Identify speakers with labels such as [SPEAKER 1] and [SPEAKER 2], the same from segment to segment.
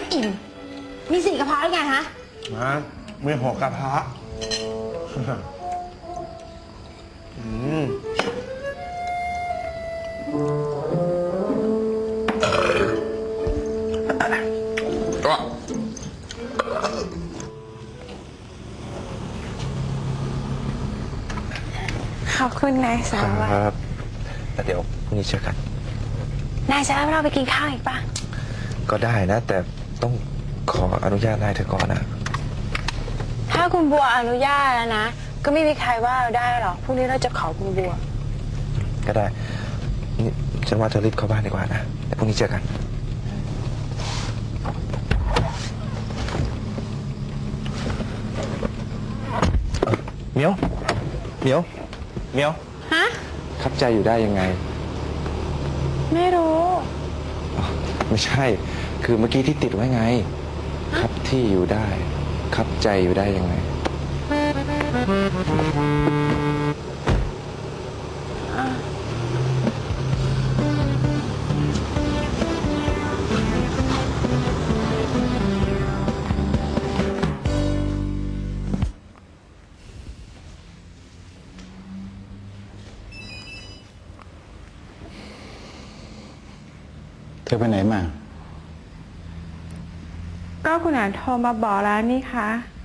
[SPEAKER 1] อิ่มมี4 กระเพาะหรือไงฮะ
[SPEAKER 2] ไม่6 กระเพาะ
[SPEAKER 1] ขอบคุณนายสารวัตร
[SPEAKER 2] ครับแต่เดี๋ยวพรุ่งนี้เจอกัน
[SPEAKER 1] นายจะให้เราไปกินข้าวอีกปะ
[SPEAKER 2] ก็ได้นะ แต่ต้องขออนุญาตนายเธอก่อนนะ
[SPEAKER 1] ถ้าคุณบัวอนุญาตแล้วนะก็ไม่มีใครว่าเราได้หรอกพรุ่งนี้เราจะขอคุณบัว
[SPEAKER 2] ก็ได้นี่ฉันว่าเธอรีบเข้าบ้านดีกว่านะเดี๋ยวพรุ่งนี้เจอกันเหมียว
[SPEAKER 1] ฮะ
[SPEAKER 2] ครับใจอยู่ได้ยังไง
[SPEAKER 1] ไม่รู้
[SPEAKER 2] ไม่ใช่คือเมื่อกี้ที่ติดไว้ไงครับที่อยู่ได้ครับใจอยู่ได้ยังไง
[SPEAKER 3] เธอไปไหนมา
[SPEAKER 1] ก็คุณอาโทรมาบอกแล้วนี่คะ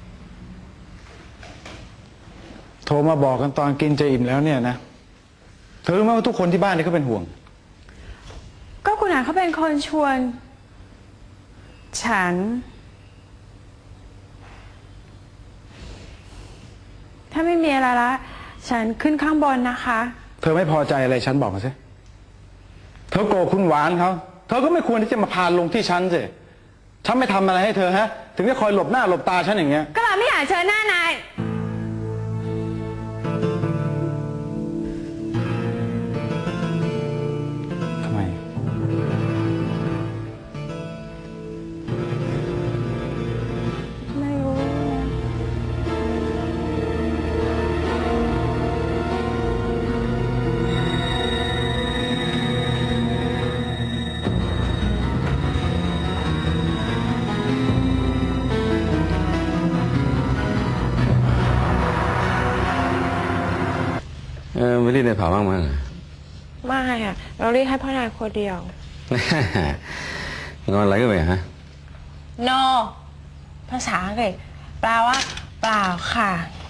[SPEAKER 3] โทรมาบอกกันตอนกินจะอิ่มแล้วเนี่ยนะเธอรู้ไหมว่าทุกคนที่บ้านนี่เขาเป็นห่วง
[SPEAKER 1] ก็คุณอาเขาเป็นคนชวนฉันถ้าไม่มีอะไรละฉันขึ้นข้างบนนะคะ
[SPEAKER 3] เธอไม่พอใจอะไรฉันบอกมาสิเธอโกรธคุณหวานเขาเธอก็ไม่ควรที่จะมาพาลงที่ฉันสิฉันไม่ทำอะไรให้เธอฮะถึงได้คอยหลบหน้าหลบตาฉันอย่างเงี้ย
[SPEAKER 1] ก็เราไม่อยากเจอหน้านาย
[SPEAKER 3] ทำไม
[SPEAKER 1] ไม่รู้
[SPEAKER 4] ไม่รีบในเผาบ้างมั้ง
[SPEAKER 1] ไม่อะเราเรียกให้พ่อนายคนเดียว
[SPEAKER 4] งอนอะไรก็ไปฮะ
[SPEAKER 1] no ภาษาอังกฤษแปลว่าเปล่าค่ะ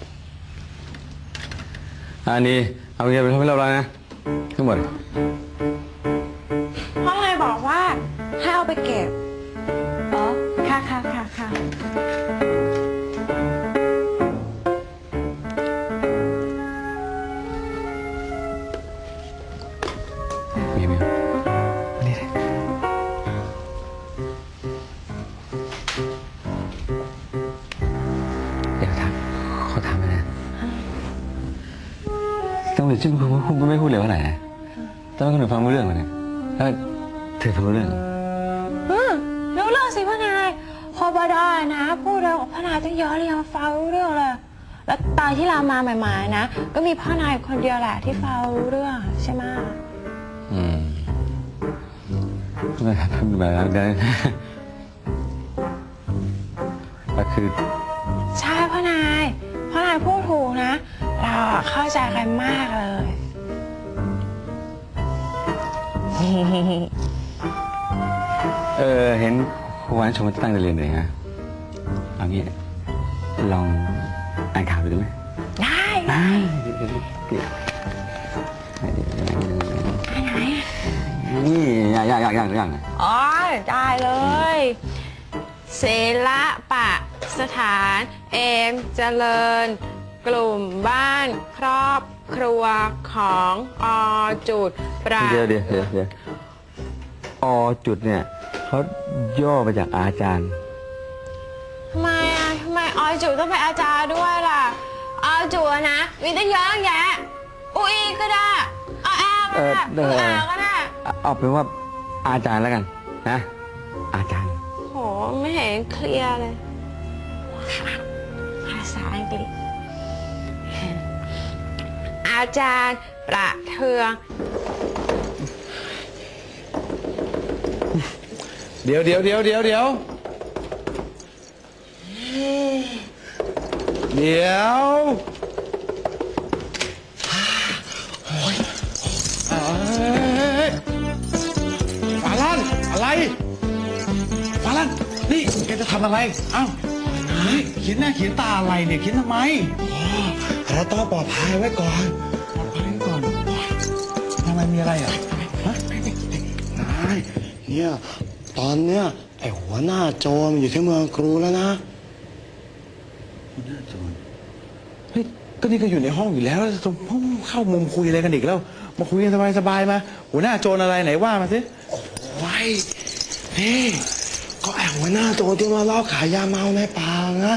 [SPEAKER 4] อันนี้เอาเงินไปทำให้เราแล้วนะทั้งหมด
[SPEAKER 1] พ่อนายบอกว่าให้เอาไปเก็บอ๋อค่ะ
[SPEAKER 4] มี
[SPEAKER 2] นี่เดี๋ยวขอถามไปนะต้องเลยชื่อคุณไม่พูดเลยว่าไหนทำไมคนอื่นฟังไม่รู้เรื่องวะเนี่ยแล้วเธอฟังรู้เรื่อง
[SPEAKER 1] รู้เรื่องสิพ่อนายพอบดอนะพูดเรื่องพ่อนายต้องย้อนเรียงฟังรู้เรื่องเลยแล้วตอนที่เรามาใหม่ๆนะก็มีพ่อนายคนเดียวแหละที่ฟังรู้เรื่องใช่ไหม
[SPEAKER 4] ไม่ครับแบบนั้นได้ก็คือ
[SPEAKER 1] ใช่พ่อนายพูดถูกนะเราเข้าใจกันมากเลย
[SPEAKER 4] เห็นครูวานชมตั้งใจเรียนเลยฮะเอางี้ลองอ่านข่าวดูไหม
[SPEAKER 1] ได้
[SPEAKER 4] ไหนนี่อย่าง
[SPEAKER 1] อ๋อได้เลยศิลปะสถานเอมเจริญกลุ่มบ้านครอบครัวของอจุดประ
[SPEAKER 4] เดี๋ยวอจุดเนี่ยเขาย่อมาจากอาจารย์
[SPEAKER 1] ทำไมอจุดต้องเป็นอาจารย์ด้วยล่ะอจุดนะมีตั้งเยอะแยะอุยก็ได้อแอก็ได้อาก็ได้
[SPEAKER 4] เอาเป็นว่าอาจารย์แล้วกันนะอาจารย์
[SPEAKER 1] โหไม่เห็นเคลียร์เลยภาษาอังกฤษอาจารย์ประเทือง
[SPEAKER 3] เดี๋ยวเดี๋ยวฟาลันอะไรฟาลันนี่แกจะทำอะไรเอ้านี่เขียนหน้าเขียนตาอะไรเนี่ยเขียนทำไม
[SPEAKER 5] เราต้องปลอดภัยไว้ก่อน
[SPEAKER 3] ปลอดภัยก่อนทำไมมีอะไรอ่ะฮะ
[SPEAKER 5] นายเนี่ยตอนเนี้ยไอ้หัวหน้าโจรมันอยู่ที่เมืองกรูแล้วนะ
[SPEAKER 3] เฮ้ยก็นี่ก็อยู่ในห้องอยู่แล้วจะเข้ามุมคุยอะไรกันอีกแล้วมาคุยกันสบายๆมาหัวหน้าโจรอะไรไหนว่ามาสิ
[SPEAKER 5] โอ้ยนี่ก็ไอ้หัวหน้าโจรที่มาล่อขายยาเมาในป่านะ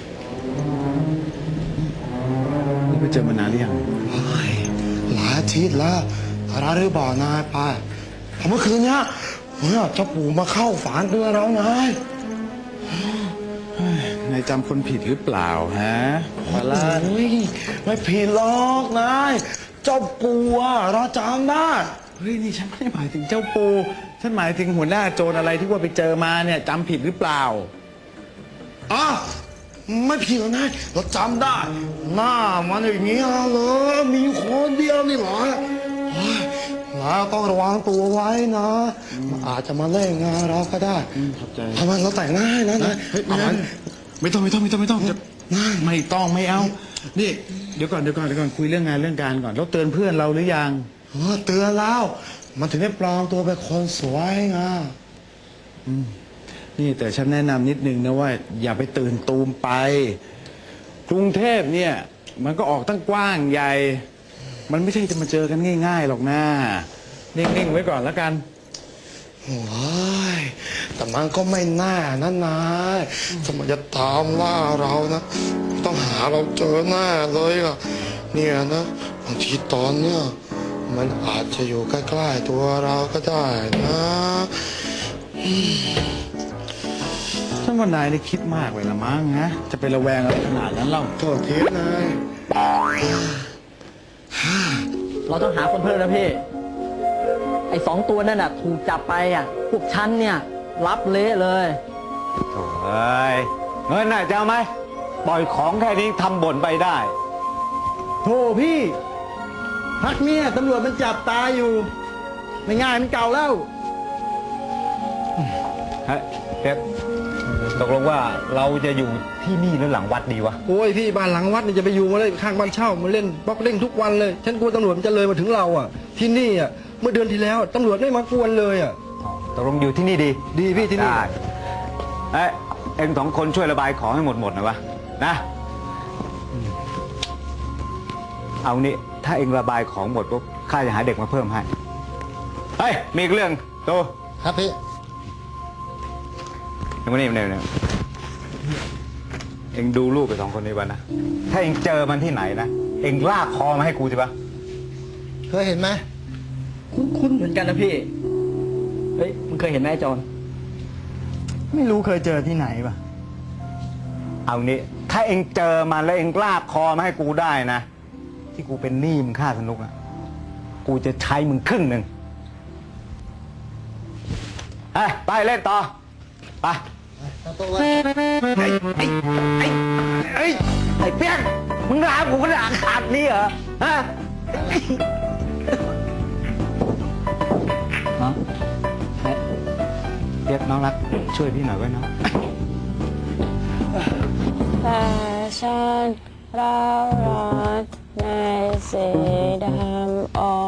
[SPEAKER 3] นี่ไปเจอมานานหรือยัง
[SPEAKER 5] เฮ้ยหลายอาทิตย์แล้วเราได้บอกนายไปแต่เมื่อคืนเนี้ยเนี่ยเจ้าปู่มาเข้าฝันเตือนเรานาย
[SPEAKER 3] นายจำคนผิดหรือเปล่าฮะฟาลัน
[SPEAKER 5] โอ้ยไม่ผิดหรอกนายเจ้าปู่อะเราจำได้
[SPEAKER 3] เฮ้ยนี่ฉันไม่ได้หมายถึงเจ้าปูฉันหมายถึงหัวหน้าโจรอะไรที่ว่าไปเจอมาเนี่ยจำผิดหรือเปล่า
[SPEAKER 5] อ่ะไม่ผิดหรอกนายเราจำได้ หน้ามันอย่างเงี้ยเลยมีคนเดียวนี่เหรอเฮ้ยนายต้องระวังตัวไว้นะมันอาจจะมาเล่นงานเราก็ได้
[SPEAKER 3] ขอบใจ
[SPEAKER 5] ทำไมเราแต่งหน้าให้นะนาย
[SPEAKER 3] เฮ้ย
[SPEAKER 5] เอามัน
[SPEAKER 3] ไม่ต้องจะไม่ต้องไม่เอา นี่เดี๋ยวก่อนคุยเรื่องงานเรื่องการก่อนแล้วเตือนเพื่อนเราหรือยัง
[SPEAKER 5] เตือนแล้ว มันถึงได้ปลอมตัวเป็นคนสวยไง
[SPEAKER 3] นี่แต่ฉันแนะนำนิดนึงนะว่า อย่าไปตื่นตูมไป กรุงเทพเนี่ย มันก็ออกตั้งกว้างใหญ่ มันไม่ใช่จะมาเจอกันง่ายๆหรอกนะนิ่งๆไว้ก่อนแล้วกัน
[SPEAKER 5] โอ้ยแต่มันก็ไม่น่านะนายถ้ามันจะตามล่าเรานะ ต้องหาเราเจอแน่เลยอ่ะเนี่ยนะบางทีตอนเนี้ยมันอาจจะอยู่ใกล้ๆตัวเราก็ได้นะ
[SPEAKER 3] ฉันว่านายนี่คิดมากไปละมั้งฮะจะไประแวงอะไรขนาดนั้นเล่า
[SPEAKER 5] โทษทีนาย
[SPEAKER 6] เราต้องหาคนเพิ่มนะพี่ ไอ้2 ตัวนั่นน่ะถูกจับไปอ่ะ พวกฉันเนี่ย รับเละเลย
[SPEAKER 4] โถ่เอ้ยเงินน่ะจะเอาไหมปล่อยของแค่นี้ทำบ่นไปได้
[SPEAKER 6] โธ่พี่ พักเนี่ยตำรวจมันจับตาอยู่ ไม่ง่ายมันเก่าแล้ว
[SPEAKER 4] เฮ้ยเป๊ปตกลงว่าเราจะอยู่ที่นี่หรือหลังวัดดีวะ
[SPEAKER 7] โอ้ยพี่บ้านหลังวัดนี่จะไปอยู่มาเลยข้างบ้านเช่ามาเล่นบล็อกเล่นทุกวันเลย ฉันกลัวตำรวจมันจะเลยมาถึงเราอ่ะ ที่นี่อ่ะเมื่อเดือนที่แล้วตำรวจไม่มากวนเลยอ่ะ
[SPEAKER 4] ตกลงอยู่ที่นี่ดี
[SPEAKER 7] ดีพี่ที่นี่
[SPEAKER 4] ได้เอ้ยเอ็ง2 คนช่วยระบายของให้หมดหน่อยวะนะเอานี่ถ้าเอ็งระบายของหมดปุ๊บข้าจะหาเด็กมาเพิ่มให้เฮ้ยมีอีกเรื่องโต
[SPEAKER 5] ครับพี่
[SPEAKER 4] เอ็งมานี่เอ็งดูรูปไป2 คนนี้วะนะถ้าเอ็งเจอมันที่ไหนนะเอ็งลากคอมาให้กูสิปะ
[SPEAKER 5] เคยเห็นไหม
[SPEAKER 6] คุ้นๆเหมือนกันนะพี่ เฮ้ยมึงเคยเห็นไหมไอ้จอน
[SPEAKER 7] ไม่รู้เคยเจอที่ไหนปะ
[SPEAKER 4] เอานี่ถ้าเอ็งเจอมันแล้วเอ็งลากคอมาให้กูได้นะที่กูเป็นหนี้มึงค่าสนุกอ่ะกูจะใช้มึง1/2ไปเล่นต่อไปไอ้เปี้ยงมึงด่ากูก็ด่าขาดนี่เหรอฮะ
[SPEAKER 6] ฮะ
[SPEAKER 4] เปียกน้องรักช่วยพี่หน่อยไว้น้อง
[SPEAKER 1] แต่ฉันเราร้อนในสีดำอ่อน